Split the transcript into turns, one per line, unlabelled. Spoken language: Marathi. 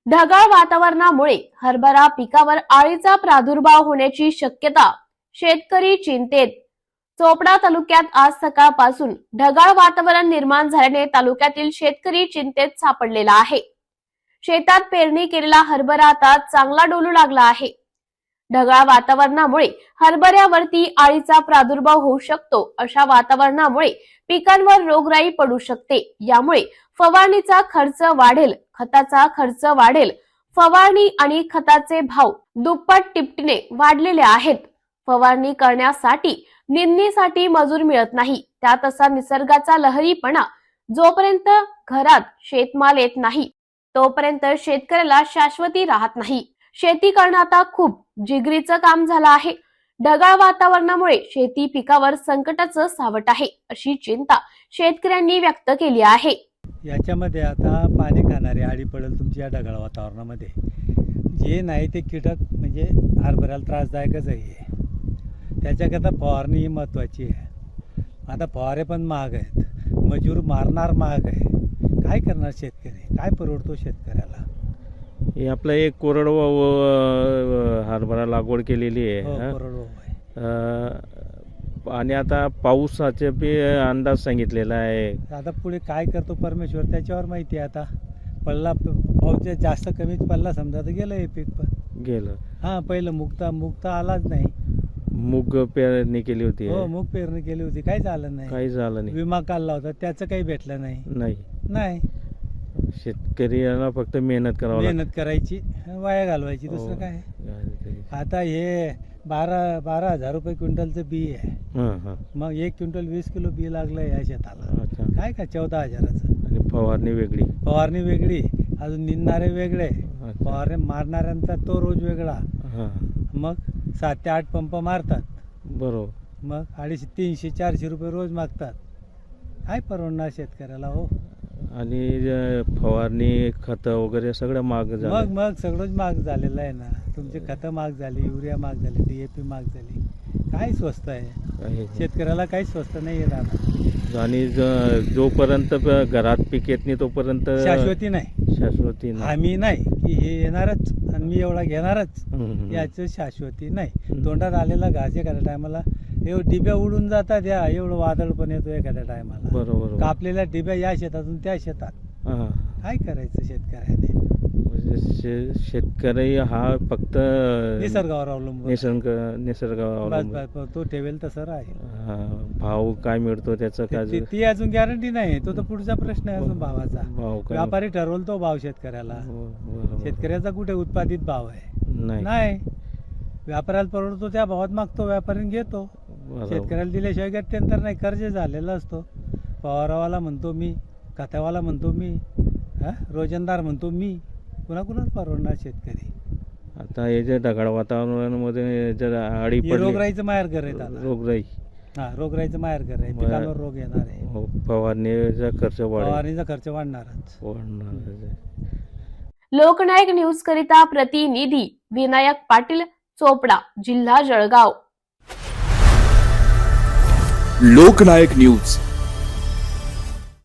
ढगाळ वातावरणामुळे हरभरा पिकावर अळीचा प्रादुर्भाव होण्याची शक्यता, शेतकरी चिंतेत। चोपडा तालुक्यात आज सकाळपासून ढगाळ वातावरण निर्माण झाल्याने तालुक्यातील शेतकरी चिंतेत सापडलेला आहे। शेतात पेरणी केलेला हरभरा आता चांगला डोलू लागला आहे। ढगाळ वातावरणामुळे हरभऱ्यावरती अळीचा प्रादुर्भाव होऊ शकतो। अशा वातावरणामुळे पिकांवर रोगराई पडू शकते। यामुळे फवारणीचा खर्च वाढेल, खताचा खर्च वाढेल। फवारणी आणि खताचे भाव दुप्पट तिपटीने वाढलेले आहेत। फवारणी करण्यासाठी निंदणीसाठी मजूर मिळत नाही। त्यात असा निसर्गाचा लहरीपणा, जोपर्यंत घरात शेतमाल येत नाही तोपर्यंत शेतकऱ्याला शाश्वती राहत नाही। शेती करणं आता खूप जिगरीचं काम झालं आहे। ढगाळ वातावरणामुळे शेती पिकावर संकटाचं सावट आहे, अशी चिंता शेतकऱ्यांनी व्यक्त केली आहे।
याच्यामध्ये आता पाणी खाणारे आळी पडेल तुमच्या ढगाळ वातावरणामध्ये। जे नाही ते कीटक म्हणजे हरभऱ्याला त्रासदायकच आहे। त्याच्याकरता फवारणी ही महत्त्वाची आहे। आता फवारे पण महाग आहेत, मजूर मारणार महाग आहे। काय करणार शेतकरी? काय परवडतो शेतकऱ्याला?
हे आपलं एक कोरडवाहू हरभरा लागवड केलेली आहे।
कोरडवाहू आहे।
आणि आता पावसाचे बी अंदाज सांगितलेला आहे।
आता पुढे काय करतो परमेश्वर त्याच्यावर माहिती आहे। आता पडला पाऊस जास्त कमीच पडला समजा तर गेलं हे पीक पण
गेलं।
हां, पहिलं मुक्त आलाच नाही।
मूग पेरणी केली होती।
हो, मूग पेरणी केली होती, काही झालं नाही।
काही झालं नाही।
विमा काढला होता, त्याचं काही भेटलं नाही।
नाही शेतकऱ्याला फक्त मेहनत
करायची, वाया घालवायची, दुसरं काय। आता हे 12,000 रुपये क्विंटलचं बी आहे। मग 1 क्विंटल 20 किलो बी लागलं या शेताला। काय का 14,000चं।
आणि फवारणी वेगळी, अजून निंदणारे वेगळे, फवारणी मारणाऱ्यांचा तो रोज वेगळा। मग 7 ते 8 पंप मारतात, बरोबर।
मग 250, 300, 400 रुपये रोज मागतात। काय परवडणार शेतकऱ्याला हो?
आणि फवारणी खतं वगैरे सगळं महाग झालं।
मग सगळंच महाग झालेलं आहे ना। तुमची खतं महाग झाली, युरिया महाग झाली, DAP महाग झाली। काय स्वस्त आहे? शेतकऱ्याला काही स्वस्त नाही आहे दादा।
आणि जोपर्यंत घरात पीक येत नाही तोपर्यंत
शाश्वती नाही। आम्ही नाही की हे येणारच आणि मी एवढा घेणारच, याचं शाश्वती नाही। तोंडात आलेला घास एखाद्या टायमाला एवढं डिब्या उडून जातात, या एवढं वादळ पण येतो एखाद्या टायमाला।
बरोबर।
कापलेल्या डिब्या या शेतातून त्या शेतात। काय करायचं शेतकऱ्याने?
शेतकरी हा फक्त
निसर्गावर अवलंबून,
निसर्गावर अवलंबून
तो ठेवेल तसं आहे।
भाव काय मिळतो त्याचं काय
ती अजून गॅरंटी नाही। तो तर पुढचा प्रश्न आहे अजून भावाचा। व्यापारी ठरवल तो भाव शेतकऱ्याला। शेतकऱ्याचा कुठे उत्पादित भाव आहे? नाही। व्यापाऱ्याला परवडतो त्या भावात मागतो, व्यापारी घेतो। शेतकऱ्याला दिल्याशिवाय गत्यंतर नाही। कर्ज झालेला असतो। फवारावाला म्हणतो मी, खतावाला म्हणतो मी, रोजंदार म्हणतो मी। कुणाकुणाच परवडणार शेतकरी?
आता हे जे ढगाळ वातावरणामध्ये जर आळी पडली,
रोगराईचं माहेरघर आहे दादा। रोगराईचं माहेरघर आहे। पिकांवर रोग येणार आहे।
फवारणीचा
खर्च वाढणारच।
लोकनायक न्यूज करिता प्रतिनिधी विनायक पाटील, चोपडा, जिल्हा जळगाव।
लोकनायक न्यूज।